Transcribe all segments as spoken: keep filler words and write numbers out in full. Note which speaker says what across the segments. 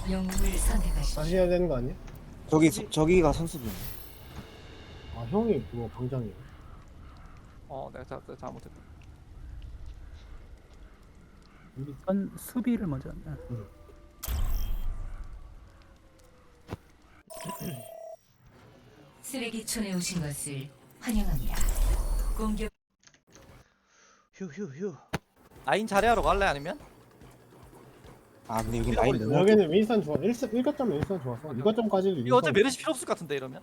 Speaker 1: 영웅을 선택하십시오.
Speaker 2: 다시 해야 되는 거 아니야?
Speaker 3: 저기 저, 저기가 선수분.
Speaker 2: 아 형이 그거 방장이야.
Speaker 4: 어 내가 자, 잘못했다.
Speaker 2: 우리
Speaker 5: 선 수비를 먼저. 응.
Speaker 1: 쓰레기촌에 오신 것을 환영합니다. 공격
Speaker 6: 휴휴휴.
Speaker 4: 라인 자리하러 갈래 아니면?
Speaker 3: 아 근데 여기 라인 너무.
Speaker 2: 여기는 윈스턴 좋아. 일 거점 윈스턴 좋았어. 이 거점까지
Speaker 4: 이거 어차피 메르시 필요 없을 것 같은데 이러면.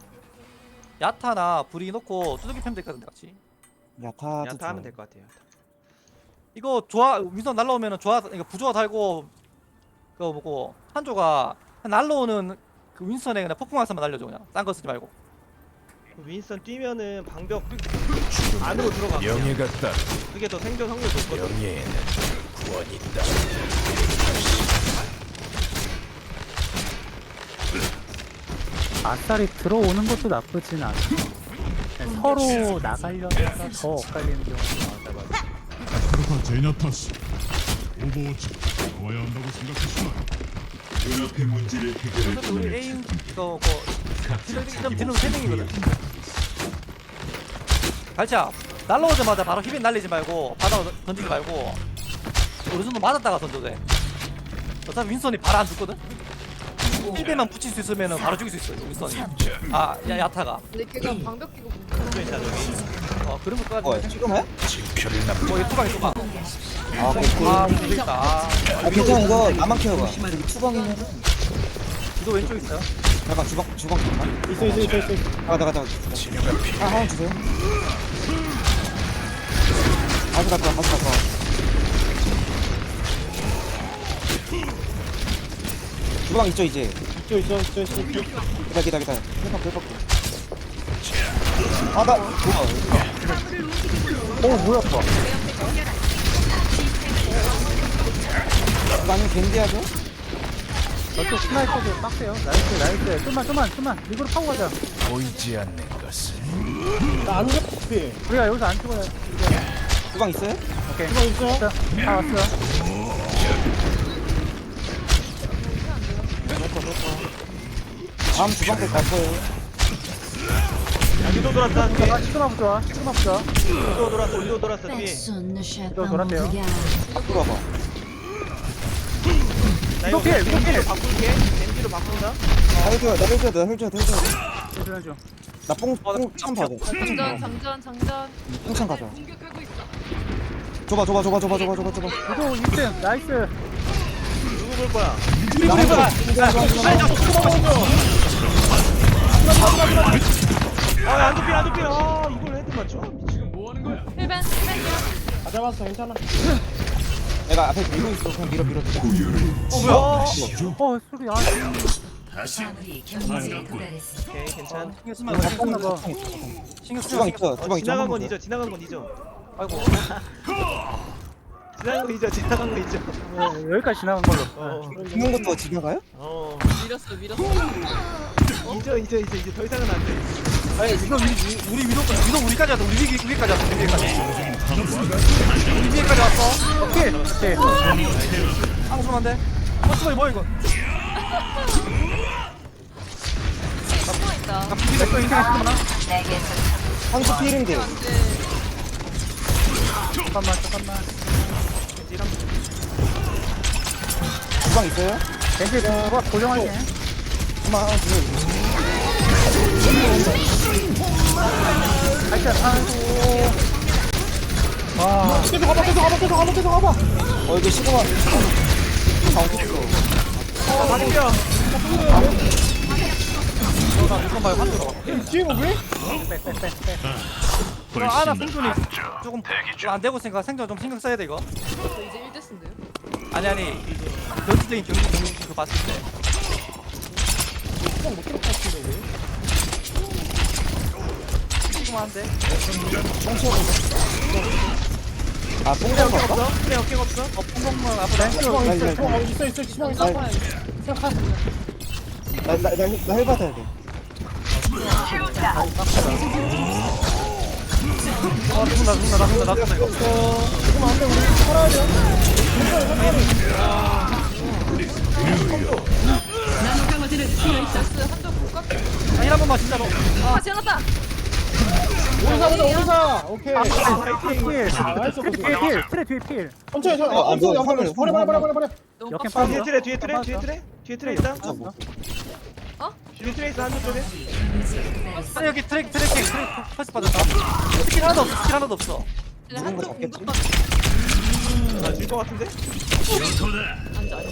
Speaker 4: 야타나 브리 넣고 두들기 패면 될 것 같은데 같이.
Speaker 3: 야타.
Speaker 6: 야타 하면 될 것 같아요.
Speaker 4: 이거 조화 윈선 날라오면은 조화 이거 부조화 달고 그거 뭐고 한조가 날라오는 그 윈선에 그냥 폭풍화살만 날려줘 그냥 딴 거 쓰지 말고.
Speaker 6: 윈스턴 뛰면은 방벽 안으로 들어가.
Speaker 7: 명예가 따
Speaker 6: 그게 더 생존 확률 높거든.
Speaker 7: 명예에는 구원이 있다.
Speaker 5: 아싸리 들어오는 것도 나쁘진 않아. 그냥 서로 나가려다가 더 엇갈리는 경우가 많아.
Speaker 8: 아프리카 제냐타스 오버워치 나와야 한다고 생각했으나 연합의 문제를 해결할
Speaker 4: 어차피 우리 에임 이거 뭐 딜러 딜러 세 명이거든. 갈차 날라오자마자 바로 힙인 날리지 말고 바닥 던지지 말고 어느 정도 맞았다가 던져도 돼. 어차피 윈선이 바로 안 죽거든. 일 배만 붙일 수 있으면 바로 죽일 수 있어 윈선이. 아 야, 야타가.
Speaker 9: 근데 걔가 방벽 끼고
Speaker 4: 어 그런 것까지.
Speaker 3: 어 지금해?
Speaker 7: 진표를 남
Speaker 4: 뭐 투방이 투방.
Speaker 3: 아 그렇고.
Speaker 4: 아 모르겠다. 아,
Speaker 3: 아 괜찮아 이거 나만 키워봐. 여기 투방이면.
Speaker 4: 이거 왼쪽 있어요.
Speaker 3: 잠깐 주방 주방 잠깐.
Speaker 2: 있어 있어 있어 있어.
Speaker 3: 아 나가 나가.
Speaker 7: 치료가 필요.
Speaker 3: 아 하나 주세요. 가서 갔다 가서 갔다. 주방 있죠 이제.
Speaker 2: 있어 있어 있어 있어.
Speaker 3: 기다 기다 기다. 회복 회복. 아나 뭐야? 어 뭐야 또? 나는 겐디하죠?
Speaker 5: 저쪽 스나이퍼도 빡세요. 나이스 나이스. 좀만 좀만 좀만. 이거로 파고 가자.
Speaker 7: 보이지 않는 것을
Speaker 2: 나안 죽었지.
Speaker 5: 우리가 여기서 안 죽어요.
Speaker 3: 주방 있어요?
Speaker 5: 오케이.
Speaker 2: 이거 있어.
Speaker 5: 자, 다 왔어.
Speaker 3: 다음 주방 때갈 거예요.
Speaker 6: 야, 위도 돌았다. 뒤에.
Speaker 5: 아, 시그마부 좋아. 시그마부 좋아.
Speaker 6: 위도 돌았어. 위도 돌았어. 뒤에.
Speaker 5: 또 돌았대요.
Speaker 3: 앞으로 와봐.
Speaker 6: 나 이거
Speaker 5: 위도 필, 위도 필.
Speaker 6: 겐지로 바꿀게. 겐지로 바꾼다.
Speaker 3: 나 헬줘야 나 헬줘야 돼 헬줘야 돼 헬줘야 돼.
Speaker 5: 해줘야죠.
Speaker 3: 나뽕뽕참 받아.
Speaker 9: 장전 장전 장전
Speaker 3: 뽕참 가자.
Speaker 9: 공격하고 있어.
Speaker 3: 줘봐 줘봐 줘봐 줘봐 줘봐 줘봐 줘봐.
Speaker 5: 위도 일 등. 나이스.
Speaker 6: 누구 볼 거야? 아, 안 눕힌, 안 눕힌. 아, 이걸 헤드 맞춰? 미친.
Speaker 9: 힐벤 힐벤이야.
Speaker 2: 다 잡았어 괜찮아.
Speaker 3: 내가 앞에 밀고 있어. 그냥 밀어 밀어.
Speaker 4: 어 뭐야?
Speaker 5: 어, 소리. 아,
Speaker 1: 마무리 경기에 도달했습니다.
Speaker 6: 오케이, 괜찮.
Speaker 4: 신경 쓰지 말고
Speaker 5: 나 봐.
Speaker 4: 신경 쓰지
Speaker 3: 주방
Speaker 4: 말고.
Speaker 3: 있어.
Speaker 6: 어,
Speaker 3: 주방 있어.
Speaker 6: 지나간
Speaker 3: 한번
Speaker 6: 건
Speaker 3: 더.
Speaker 6: 잊어, 지나간 건 잊어.
Speaker 4: 아이고.
Speaker 6: 지나간 거 잊어, 지나간 거 잊어.
Speaker 5: 어, 여기까지 지나간 걸로.
Speaker 6: 어,
Speaker 3: 죽는 것도 지나가요?
Speaker 6: 어.
Speaker 9: 밀었어 밀었어.
Speaker 6: 잊어, 잊어, 잊어, 이제 더 이상은 안 돼.
Speaker 4: 아니 이거 우리 우리 위도 위도 우리까지 왔어. 우리 위 위까지 왔어. 우리 위까지. 우리 위까지 왔어.
Speaker 5: 오케이. 오케이.
Speaker 4: 앙소한데. 어 수고이 뭐 이거.
Speaker 9: 숨어 있다.
Speaker 4: 아 비비 내거 인생 했구나.
Speaker 3: 한수 피일인데.
Speaker 5: 잠깐만, 잠깐만.
Speaker 3: 주방 있어요?
Speaker 5: 벤지 그거 고정할게.
Speaker 3: 한번 하나 주세요.
Speaker 5: 하여튼, 아이고. 와.
Speaker 2: 계속 가봐 계속 가봐 계속 가봐 계속 가봐.
Speaker 3: 어 이거 시그마. 다 어디 있어?
Speaker 6: 어, 맞겨.
Speaker 4: 나 무슨 말 환들어.
Speaker 2: 뒤에 뭐 왜?
Speaker 4: 아나 생존이 조금 안 되고 생각 생존 좀 신경 써야 돼 이거.
Speaker 9: 저 이제 일 대스인데요.
Speaker 4: 아니 아니 전투적인 경기 경기 그거 봤을 때.
Speaker 2: 그냥 못 들어갈 것 같은데 왜?
Speaker 4: 조금한데.
Speaker 3: 아 뽕장
Speaker 6: 어깨
Speaker 3: 갈까?
Speaker 6: 없어? 그래, 어깨 없어?
Speaker 4: 어 퐁퐁만 앞으로.
Speaker 2: 주방
Speaker 3: 나,
Speaker 2: 있어
Speaker 3: 나,
Speaker 2: 주방 있어 있어 주방 있어.
Speaker 3: 나,
Speaker 2: 생각하.
Speaker 3: 나나나헬 받아야 돼.
Speaker 4: 어 죽는다 죽는다 나 죽는다 나 죽는다 이거.
Speaker 2: 지금 안돼 우리 살아야 돼. 가보자 오리사. 오케이.
Speaker 5: 필,
Speaker 2: 나이스
Speaker 5: 필, 필, 필, 트레 뒤에 필.
Speaker 2: 천천히 천천히.
Speaker 3: 아,
Speaker 2: 엄청
Speaker 3: 뭐,
Speaker 2: 영상
Speaker 3: 화면을,
Speaker 2: 버려 버려 버려 버려 버려.
Speaker 9: 너무
Speaker 5: 역행
Speaker 9: 빡빡.
Speaker 6: 뒤에 트레 뒤에 트레 뒤에 트레 뒤에 트레 있다.
Speaker 9: 어?
Speaker 6: 뒤에 트레 있어 한쪽 쪽에.
Speaker 4: 아, 여기 트랙 트래킹 트랙 펄스 빠졌다. 스킬 하나도 없어. 스킬 하나도 없어.
Speaker 9: 그냥
Speaker 3: 누군 거
Speaker 9: 한쪽
Speaker 3: 잡겠지?
Speaker 9: 공격만
Speaker 6: 아질것 같은데?
Speaker 9: 앉아 앉아.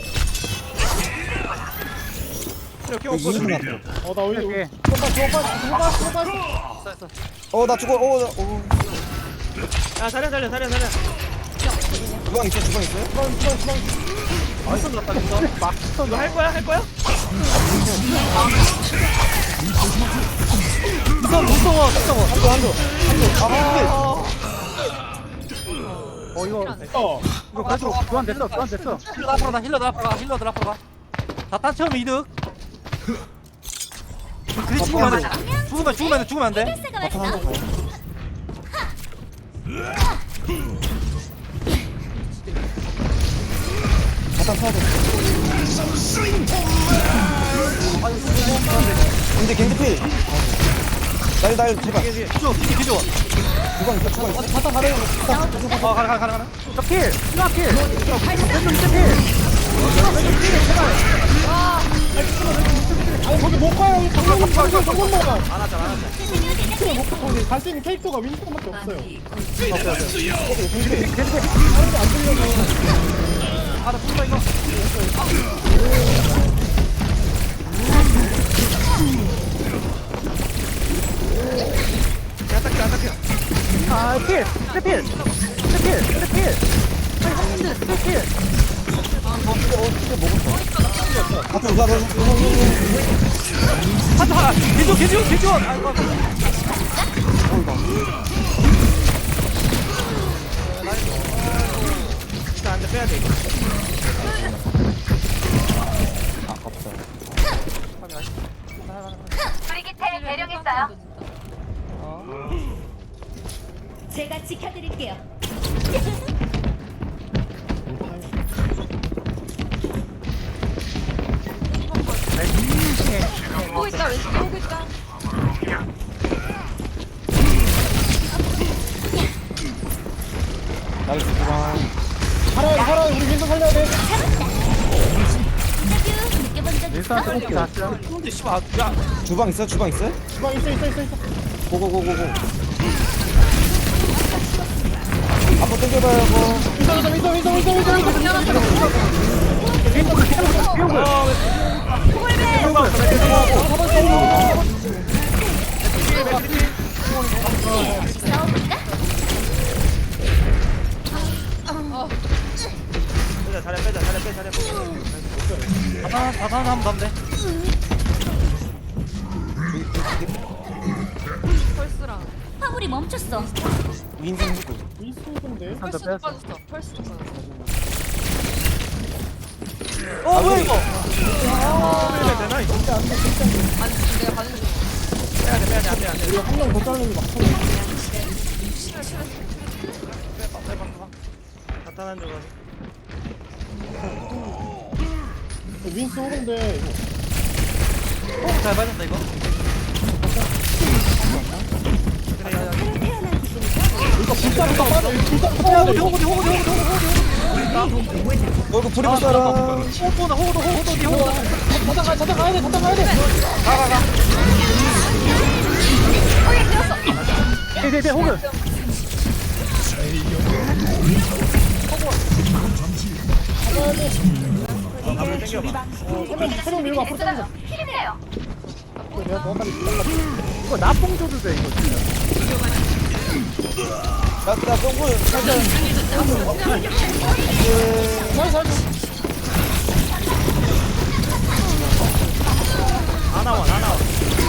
Speaker 6: 트레 역행
Speaker 3: 여기
Speaker 6: 없거든.
Speaker 3: 이승 앞으로.
Speaker 2: 어나 오리.
Speaker 5: 오케이.
Speaker 2: 들어가 들어가 들어가 들어가.
Speaker 4: 있어 있어.
Speaker 3: 어, 나 죽어. 어, 나, 어.
Speaker 6: 야 자리야 자리야 자리야 자리야.
Speaker 3: 주방 있어, 주방 있어요?
Speaker 2: 주방 주방 주방.
Speaker 4: 완전 났다 진짜.
Speaker 6: 이거 할 거야 할 거야?
Speaker 4: 무서워 무서워 무서워.
Speaker 3: 한조, 한조. 한조. 아,
Speaker 5: 어, 이거,
Speaker 2: 어.
Speaker 5: 이거 그래도 교환 됐어, 교환 됐어.
Speaker 4: 힐러 앞으로 가. 힐러들 앞으로 가. 힐러들 앞으로 가. 다딴 처음 이득. 그리 죽으면 안 돼. 죽으면 죽으면 안 돼. 죽으면 안 돼.
Speaker 3: 바탕 한조 가요. 바탕 타야 돼. 근데 겐지필. 날, 날, 제발.
Speaker 4: 기조 기조 기조.
Speaker 3: 주방 있어, 주방 있어.
Speaker 2: 바탕 가려.
Speaker 4: 어 가라 가라 가라 가라.
Speaker 5: 저 필, 신화 필. 왼쪽 밑에 필.
Speaker 2: 아니 거기 못 가요. 정면 정면 정면 먹어.
Speaker 6: 안 하자 안 하자.
Speaker 2: 거기 갈 수 있는 캐릭터가 윈스턴밖에 없어요.
Speaker 4: 아나 죽는다 이거.
Speaker 6: 야 딱히 안 딱히.
Speaker 5: 아, 필, 트레 필. 트레 필, 트레 필. 트레 필.
Speaker 3: 앞으로 가, 가, 가.
Speaker 4: 하자 하자. 기조 기조 기조. 아이고.
Speaker 6: 일단 안돼 빼야 돼 이거.
Speaker 9: 브리기테 대령했어요.
Speaker 1: 제가 지켜드릴게요.
Speaker 9: 보고 있다 왼쪽 보고 있다.
Speaker 3: 나이스, 주방.
Speaker 2: 살아야 살아야 우리 윈스턴 살려야 돼.
Speaker 5: 일단 또 나왔어.
Speaker 4: 근데 씨발 야
Speaker 3: 주방 있어, 주방 있어?
Speaker 2: 주방 있어 있어 있어 있어.
Speaker 3: 고고고고고. 앞으로 당겨봐요, 뭐.
Speaker 2: 윈스턴 윈스턴 윈스턴 윈스턴 윈스턴 윈스턴.
Speaker 6: 빼자 자리야 빼자 자리야 빼 자리야 빼.
Speaker 4: 다단 다단 하면 다면 돼.
Speaker 9: 펄스랑
Speaker 1: 화물이 멈췄어.
Speaker 3: 윈승 후구.
Speaker 2: 윈스턴인데.
Speaker 9: 펄스도
Speaker 5: 뺐어.
Speaker 9: 빠졌어. 펄스도 빠졌어.
Speaker 4: 어 뭐야 이거.
Speaker 6: 빼야 되나 이거?
Speaker 9: 아니 지금 내가 가는 중.
Speaker 6: 빼야 돼 빼야 돼 안돼 안돼.
Speaker 2: 우리 한 명 더 자르는 게 막상.
Speaker 6: 바탕 한쪽 가서.
Speaker 2: 윈스 오는데
Speaker 4: 잘 맞았다 이거.
Speaker 2: 이거 불사부터 빠져. 이거 불사부터 빠져.
Speaker 4: 호구디 호구디 호구디 호구디 호구디.
Speaker 3: 어, 이거 불이 붙어라.
Speaker 4: 호구다 호구도 호구도 니 호구다.
Speaker 2: 자탄 가 자탄 가야 돼. 자탄 가야 돼.
Speaker 5: 네, 네, 네, 호그.
Speaker 6: 앞으로 당겨봐.
Speaker 2: 세명 밀고 앞으로 당겨. 내가 너한테
Speaker 5: 이거 나뽕 줘도 돼, 이거 진짜.
Speaker 3: 나, 나 똥구 살짝.
Speaker 2: 잘 잘.
Speaker 6: 안 나와 안 나와.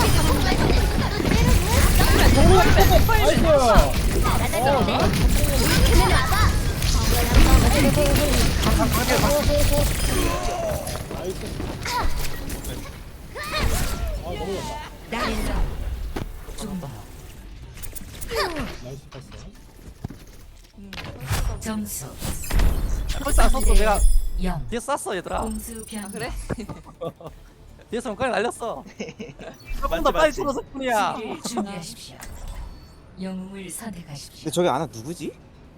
Speaker 1: 점수
Speaker 4: 벌써 안 썼어 내가.
Speaker 1: 영.
Speaker 4: 뒤에 쐈어 얘들아.
Speaker 1: 공수 변.
Speaker 9: 아 그래?
Speaker 4: 뒤에서 문까지 날렸어. 조금
Speaker 6: 맞지,
Speaker 4: 더 빨리
Speaker 6: 맞지.
Speaker 4: 뚫어서 뿐이야.
Speaker 1: 준비하십시오. 영웅을 선택하십시오.
Speaker 3: 근데 저기 아나 누구지?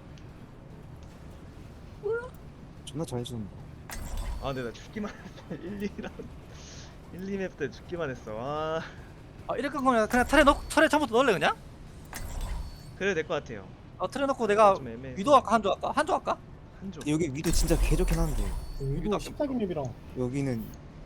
Speaker 3: 존나 잘해주는 거.
Speaker 6: 아 근데 나 죽기만 했어. 일, 이 라운드 일, 이 맵 때 죽기만 했어. 아
Speaker 4: 아 이럴 거면 그냥 틀에 넣 틀에 처음부터 넣을래 그냥?
Speaker 6: 그래도 될 것 같아요.
Speaker 4: 어 틀에 넣고 내가
Speaker 6: 좀 애매해.
Speaker 4: 위도 할까 한조 할까? 한조 할까?
Speaker 6: 한조.
Speaker 3: 여기 위도 진짜 개 좋긴 한데
Speaker 2: 이거 십사기 맵이랑
Speaker 3: 여기는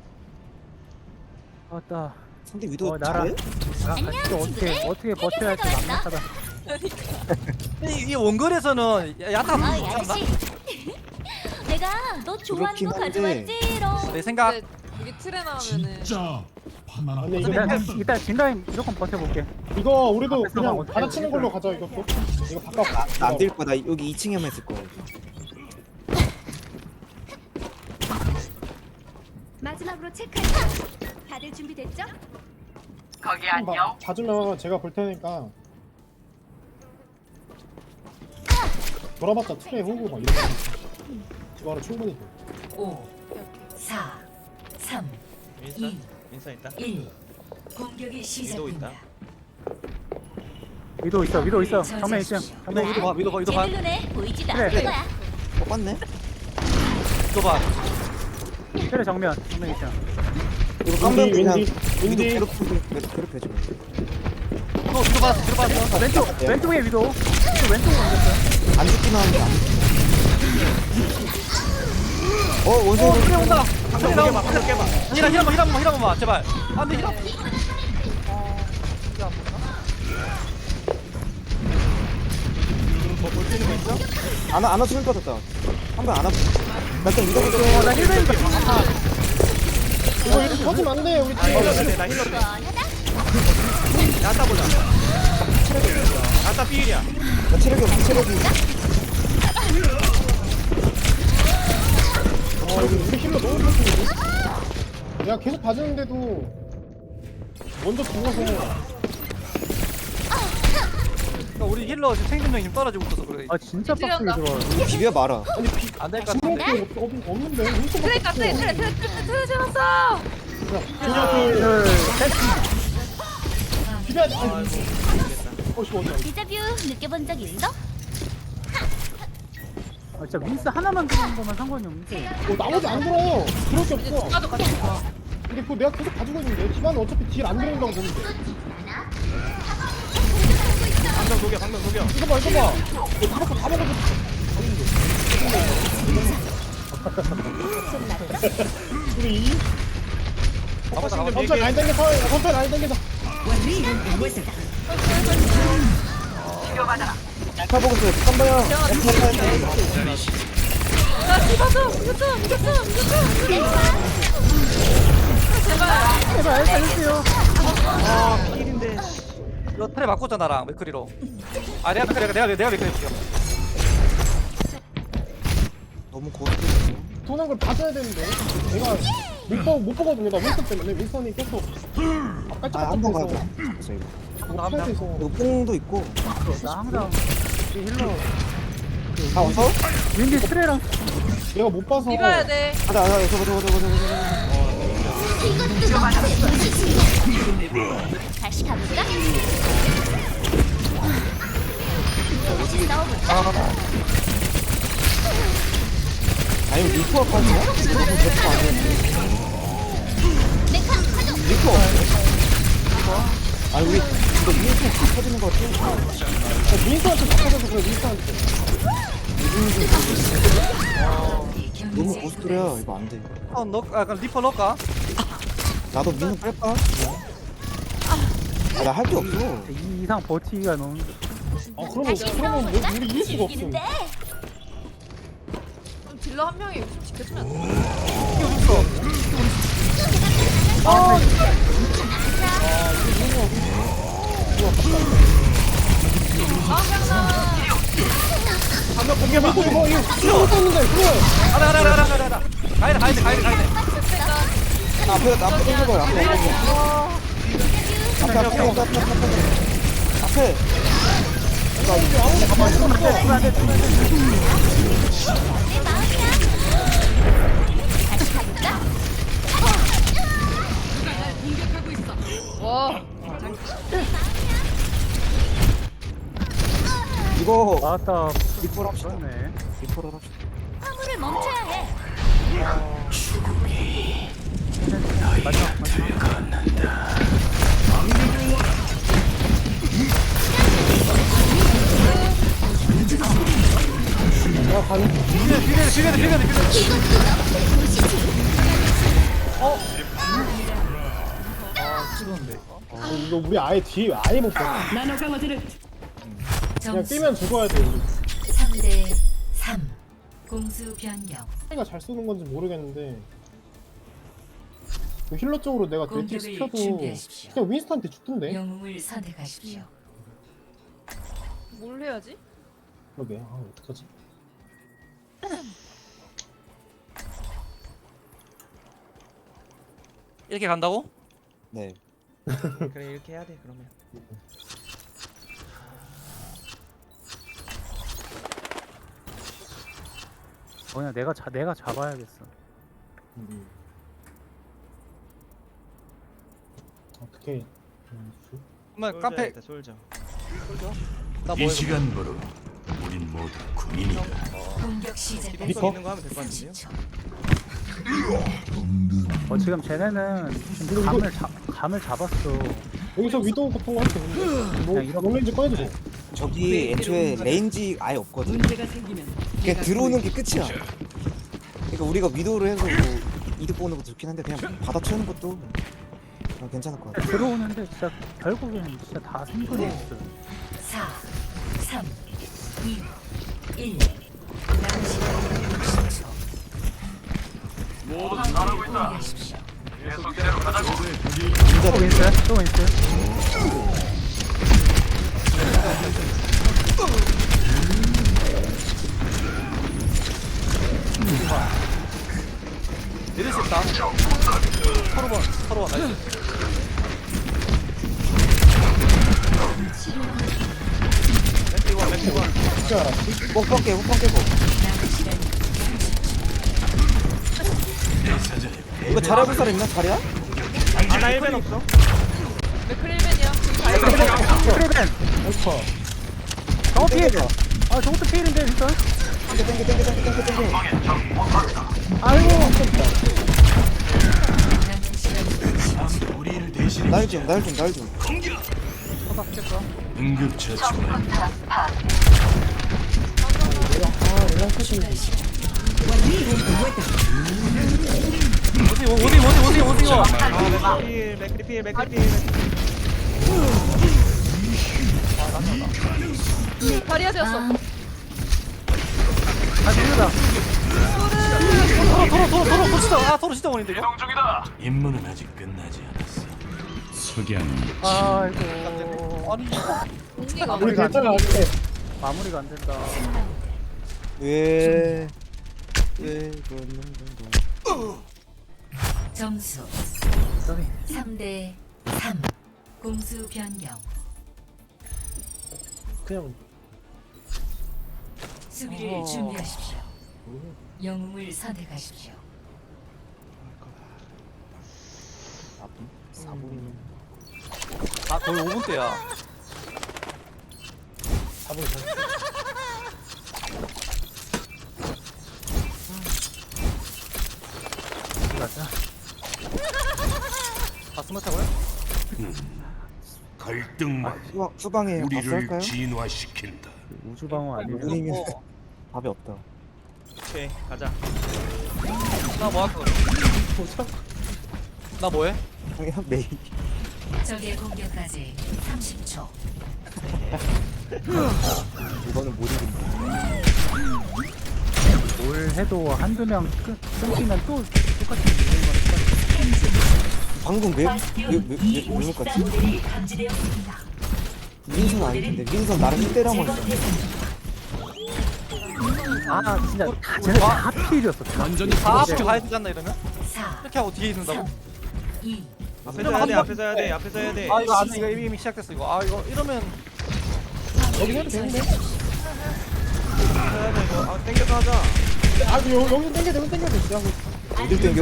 Speaker 5: 맞다.
Speaker 3: 상대 위도
Speaker 5: 어, 나랑
Speaker 3: 잘해?
Speaker 5: 나랑 같이 어떻게 어떻게 버텨야 할지 막막하다.
Speaker 4: 이, 이 원거리에서는 야- 야타
Speaker 10: 아,
Speaker 4: 좋지 않나?
Speaker 10: 내가 너 좋아하는
Speaker 3: 그렇긴
Speaker 10: 거
Speaker 3: 한데.
Speaker 10: 가져왔지롱.
Speaker 4: 내 생각
Speaker 9: 근데 여기 틀에 나오면은
Speaker 8: 진짜 파나나
Speaker 2: 아니, 이거
Speaker 5: 일단 일단 진라인 무조건 버텨볼게.
Speaker 2: 이거 우리도
Speaker 5: 앞에서 막
Speaker 2: 그냥
Speaker 5: 어떻게
Speaker 2: 받아치는 걸로 가자 이것도. 이거 바꿔.
Speaker 3: 나안될 거야. 나 여기 이 층에만 있을 거야.
Speaker 10: 마지막으로 체크할게요. 다들 준비됐죠?
Speaker 2: 거기 안녕. 봐주면 제가 볼 테니까. 돌아봤자 트레 호구 막 이렇게. 이거는 충분히 돼.
Speaker 1: 오, 사, 삼,
Speaker 6: 윈선?
Speaker 1: 이,
Speaker 6: 윈선 있다.
Speaker 1: 일. 공격이 시작됩니다.
Speaker 5: 위도 있어 위도 있어. 정면 일 층. 정면
Speaker 4: 위도 봐 위도 봐 위도 봐
Speaker 10: 제대 눈에 보이지도
Speaker 5: 그래.
Speaker 10: 않을 거야.
Speaker 3: 똑같네?
Speaker 4: 위도 봐
Speaker 5: 그래 정면 정면 일 층.
Speaker 3: 이거
Speaker 2: 윈디,
Speaker 3: 그냥
Speaker 2: 윈디,
Speaker 3: 위도
Speaker 2: 윈디.
Speaker 3: 괴롭히고 괴롭혀줘.
Speaker 4: 위도 위도 받았어 위도 받았어
Speaker 5: 왼쪽 왼쪽에 위도. 위도 왼쪽으로 옮겼어요.
Speaker 3: 안 죽기만 하면 안 어, 원숭이
Speaker 4: 어 그래 온다
Speaker 6: 방금
Speaker 4: 그래
Speaker 6: 깨봐.
Speaker 4: 나온다
Speaker 6: 방금 깨봐.
Speaker 4: 히라 히라만 히라만 히라만 봐 제발 안돼 히라
Speaker 6: 뭐볼 수 있는 거 있어?
Speaker 3: 아나 아나 죽을 것 같았다. 한번 아나. 나 일단 이거 볼게.
Speaker 5: 어나 힐베이가.
Speaker 2: 이거 이렇게 터지면 안 돼. 우리
Speaker 6: 아
Speaker 2: 팀.
Speaker 6: 힐러 돼. 나 힐러 돼. 야타 보자. 야타 피일이야.
Speaker 3: 나 체력이 없어. 체력이.
Speaker 2: 아 이거 우리 힐러 너무 좋은데. 내가 계속 봐주는데도 먼저 죽어서.
Speaker 4: 그러니까 우리 힐러 지금 생존력이 좀 떨어지고 있어서 그래
Speaker 5: 아 진짜 빡세게
Speaker 9: 찌른다.
Speaker 5: 들어와.
Speaker 3: 비벼 마라.
Speaker 4: 안될 것
Speaker 2: 죽는
Speaker 4: 같은데
Speaker 2: 게 없- 없- 없는데. 윈스턴
Speaker 9: 틀에 있다 틀에 틀에 틀에 틀에 틀에 잡았어.
Speaker 2: 하나 둘 셋. 비벼야 돼. 아이고. 어씨 어디야.
Speaker 10: 디자뷰 느껴본 적 있어?
Speaker 5: 아 진짜 윈스 하나만 들어온 거면 상관이 없는데.
Speaker 2: 어, 나머지 안 들어. 그럴 게 없어.
Speaker 9: 나도 같이 봐.
Speaker 2: 근데 그거 내가 계속 가지고 있는데 집안은 어차피 딜 안 들어온다고 보는데.
Speaker 6: 방금 녹여. 방금 녹여.
Speaker 2: 이거 봐 이거 봐. 이거 다 먹고 다 먹어도 우리 이
Speaker 4: 가보자 가보자
Speaker 2: 천천히 라인 당겨서 천천히 라인 당겨서.
Speaker 3: 타 보고 있어요. 깜봐요.
Speaker 9: 야 뒤봐줘. 이겼죠 이겼죠 이겼죠. 제발.
Speaker 5: 제발 살려주세요.
Speaker 6: 아 피일인데.
Speaker 4: 너 틀에 바꿨잖아 나랑 맥크리로 아 내가 맥크리 내가 내가 맥크리 해줄게
Speaker 3: 너무 고스트.
Speaker 2: 도는 걸 봐줘야 되는데 내가 못, 보, 못 보거든요. 나 윈선 때문에 윈선이 계속 아까
Speaker 3: 아, 한 번 가자.
Speaker 2: 서
Speaker 3: 잡았어, 이거.
Speaker 2: 못해야 돼서
Speaker 3: 이거 뽕도 있고.
Speaker 5: 나 항상 이 힐러
Speaker 3: 아, 와서?
Speaker 5: 윈디 트레랑
Speaker 2: 내가 못 봐서
Speaker 9: 밀어야 돼.
Speaker 3: 가자, 가자, 저거, 저거, 저거, 저거, 저거.
Speaker 10: 다시 가볼까? 싸워볼까?
Speaker 3: 아니, 리퍼 아파지냐? 리퍼 리퍼 아니었는데.
Speaker 10: 메카 가동.
Speaker 3: 리퍼 없네? 아니, 우리, 이거 윈스 다 터지는 것 같아.
Speaker 2: 윈선한테 바꿔줘서 그래 윈선한테.
Speaker 3: 너무 고스트래야. 이거 안 돼.
Speaker 4: 어, 넣, 아, 그럼 리퍼 넣을까?
Speaker 3: 나도 민우 뺄까? 아, 나 할 게 없어.
Speaker 5: 이 이상 버티기가 너무.
Speaker 2: 아 그러면
Speaker 10: 다시
Speaker 2: 그러면 뭐
Speaker 10: 싸워볼까?
Speaker 2: 우리 이길 수가 없어.
Speaker 10: 즐기는데.
Speaker 9: 그럼 딜러 한 명이 지켜주면 안 돼?
Speaker 2: 방금 공개봐. 이거 이거 이거 이거 있는데 그래.
Speaker 4: 가자 가자 가자 가자 가자 가야돼 가야돼 가야돼 가야돼
Speaker 3: 앞에, 앞에 땡겨봐. 앞에, 앞에. 앞에, 앞에, 앞에, 앞에, 앞에. 앞에.
Speaker 10: 다시 가볼까?
Speaker 9: 와.
Speaker 3: 이거
Speaker 5: 맞다.
Speaker 3: 리콜 합시다.
Speaker 5: 그렇네.
Speaker 3: 리콜을 합시다.
Speaker 10: 화물을 멈춰야 해.
Speaker 5: 마지막 마지막.
Speaker 2: 내가 가는
Speaker 4: 비벼 비벼 비벼 비벼 비벼. 어? 아 찍었는데.
Speaker 2: 어, 이거 우리 아예 뒤에 아예 못 봐. 그냥
Speaker 1: 점수
Speaker 2: 뛰면 죽어야 돼. 우리.
Speaker 1: 삼 대 삼. 공수 변경.
Speaker 2: 차이가 잘 쏘는 건지 모르겠는데 그 힐러 쪽으로 내가 네틱
Speaker 1: 공격을
Speaker 2: 시켜도
Speaker 1: 준비하십시오.
Speaker 2: 그냥 윈스턴한테 죽던데.
Speaker 1: 영웅을 선택하십시오.
Speaker 9: 뭘 해야지?
Speaker 2: 그러게. 아 어떡하지?
Speaker 4: 이렇게 간다고?
Speaker 3: 네.
Speaker 6: 그래 이렇게 해야 돼 그러면.
Speaker 5: 어, 그냥 내가 자 내가 잡아야겠어.
Speaker 2: 음. 어떻게? 음, 주-
Speaker 4: 그러면 깡패
Speaker 6: 있다 솔져.
Speaker 4: 나
Speaker 7: 이
Speaker 4: 뭐해?
Speaker 7: 시간부로 우린 모두 군인이다.
Speaker 1: 공격 시작.
Speaker 6: 기동성 있는 거 하면 될 것 같은데요?
Speaker 1: 삼십 초.
Speaker 5: 어 지금 쟤네는 지금 감을 잡 감을 잡았어.
Speaker 2: 여기서 위도우 같은 거 할게. 뭐
Speaker 5: 그냥 이렇게-
Speaker 2: 롱레인지 꺼내줘.
Speaker 3: 저기 애초에 레인지 아예 없거든. 그냥 들어오는 게 끝이야. 그러니까 우리가 위도우를 해서 뭐 이득 보는 것도 좋긴 한데 그냥 받아치우는 것도 어, 괜찮을 것 같아.
Speaker 5: 들어오는데 진짜 결국에는 진짜 다 생존이 있어.
Speaker 1: 사, 삼, 이, 일. 남은 시간 육십 초. 화물을 공개하십시오.
Speaker 5: 또 윈스? 또 윈스?
Speaker 4: 이럴 수 있다. 서로 봐, 서로 봐. 나이스.
Speaker 6: 맥주원 맥주원.
Speaker 2: 진짜 알았지?
Speaker 3: 뽕뽕 깨고 뽕 깨고.
Speaker 1: 남은 시간
Speaker 3: 이거 잘해볼 사람 있나? 잘해야?
Speaker 6: 아나 일 벤 없어.
Speaker 9: 맥크릴맨이야.
Speaker 5: 크리벤!
Speaker 2: 어퍼.
Speaker 5: 저거 피해! 아 저것도 피해인데 진짜?
Speaker 3: 땡겨 땡겨 땡겨 땡겨 땡겨 땡겨.
Speaker 5: 아이고!
Speaker 1: 남은 시간
Speaker 7: 우리를 대신해
Speaker 3: 날 좀, 날 좀, 날 좀.
Speaker 7: 응급처치만
Speaker 4: 어디 어디 어디 어디 어디 가?
Speaker 6: 아 맥크리필 맥크리필 맥크리필.
Speaker 9: 다리야 되었어.
Speaker 5: 아 밀려다!
Speaker 4: 토로 토로 토로 토로 토로 진짜 아 토로 진짜 원인데 이거?
Speaker 7: 임무는 아직 끝나지 않았어. 석양
Speaker 5: 아이고
Speaker 4: 아니
Speaker 9: 공기가
Speaker 2: 우리 괜찮아 아직.
Speaker 5: 마무리가 안 된다.
Speaker 3: 왜? 왜 그러는 건가?
Speaker 1: 점수
Speaker 5: 저기
Speaker 1: 삼 대 삼. 공수 변경.
Speaker 2: 그냥
Speaker 1: 수비를 준비하십시오. 영웅을 선택하십시오.
Speaker 3: 사 분이면.
Speaker 4: 아 거의 오 분대야.
Speaker 2: 잡을 잘.
Speaker 5: 가자.
Speaker 4: 다 스마트하고요?
Speaker 7: 갈등만
Speaker 3: 수방 수방에
Speaker 7: 우리를
Speaker 3: 봤을까요?
Speaker 7: 진화시킨다.
Speaker 5: 우주 방어 아니고
Speaker 3: 우리면 답이 없다.
Speaker 6: 오케이 가자.
Speaker 4: 나 뭐 할까? 나 뭐해?
Speaker 3: 그냥 메이.
Speaker 1: 적의 공격까지 삼십 초.
Speaker 3: 이거는 못 이긴다.
Speaker 5: 뭘 해도 한두 명 끊- 끊기면 또 똑같은 일인 건 똑같아.
Speaker 3: 방금 왜왜왜왜 못 갔지?
Speaker 1: 이 감지되었습니다.
Speaker 3: 민선 아닐 텐데 민선 나랑 일 대라고 했어.
Speaker 5: 아 진짜 다 쟤네 다 필이었어. 완전히
Speaker 4: 다 앞에 가야 되지 않나 이러면?
Speaker 1: 사,
Speaker 4: 이렇게 하고 뒤에 있는다고?
Speaker 1: 이.
Speaker 6: 앞에서 해야 돼 앞에서 해야 돼 앞에서 해야 돼.
Speaker 4: 아 이거 안 돼. 이거 이미 시작됐어 이거. 아 이거 이러면
Speaker 2: 여기 해도 되는데?
Speaker 6: 해야 돼 이거. 아 땡겨서 하자.
Speaker 2: 아 여기 여기 땡겨 여기 땡겨 진짜.
Speaker 3: 어딜 땡겨?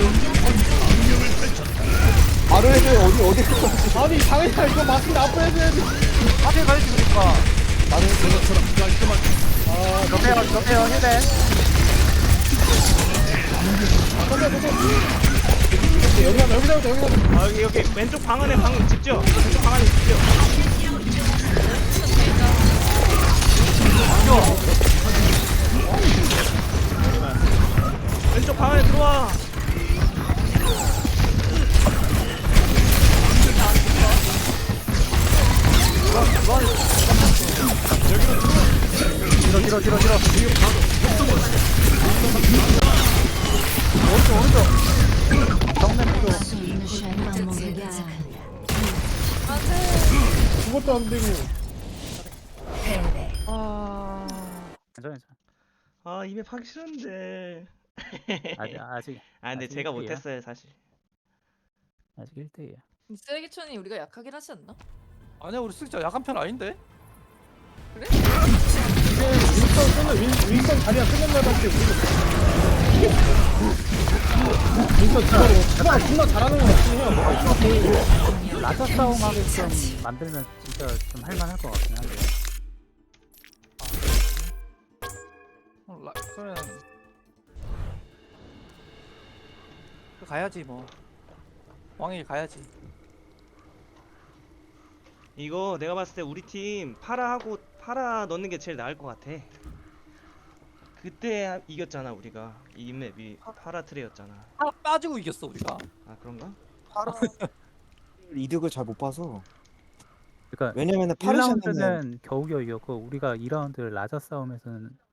Speaker 3: 말을 해줘요. 어디 어디.
Speaker 2: 아니 당연히 이거 맞는데 앞으로 해줘야지.
Speaker 4: 앞에 가야지 그러니까.
Speaker 2: 나는 아
Speaker 5: 저배요 저배요 힐벤.
Speaker 2: 여기다 여기다 여기다
Speaker 6: 아 여기 여기 왼쪽 방 안에 방 집죠? 왼쪽 방 안에 집죠? 왼쪽 방 안에 들어와.
Speaker 5: 뒤로 뒤로 뒤로 뒤로. 오른쪽 오른쪽. 정면 뒤로.
Speaker 2: 그것도 안 되고
Speaker 1: 패배.
Speaker 9: 아.
Speaker 5: 괜찮아 괜찮아.
Speaker 6: 아 이맵 하기 싫은데.
Speaker 5: 아직 아직
Speaker 6: 아 근데
Speaker 5: 아직
Speaker 6: 제가
Speaker 5: 일 대야.
Speaker 6: 못했어요 사실.
Speaker 5: 아직 일 대이야.
Speaker 9: 쓰레기촌이 우리가 약하긴 하지 않나?
Speaker 4: 아니야 우리 진짜 약한 편 아닌데?
Speaker 2: 이제 윈스턴 끝나 윈, 윈스턴 자리가 끝났나밖에 윈스턴 진짜로 제가 존나 잘하는 거 같긴 해요.
Speaker 5: 라자 싸움 하게끔 만들면 진짜 좀 할만할 것 같긴 한데.
Speaker 4: 어, 라, 그래. 그 가야지 뭐. 왕일 가야지.
Speaker 6: 이거 내가 봤을 때 우리 팀 파라하고 파라 넣는 게 제일 나을 것 같아. 그때 하- 이겼잖아 우리가. 이 맵이 파라 트레였잖아.
Speaker 4: 아, 빠지고 이겼어 우리가.
Speaker 6: 아 그런가?
Speaker 3: 이득을 잘 못 봐서.
Speaker 5: 그러니까
Speaker 3: 왜냐면은
Speaker 5: 일
Speaker 3: 파르샤는
Speaker 5: 라운드는 겨우겨우 이겼고 우리가 이 라운드 라자 싸움에서는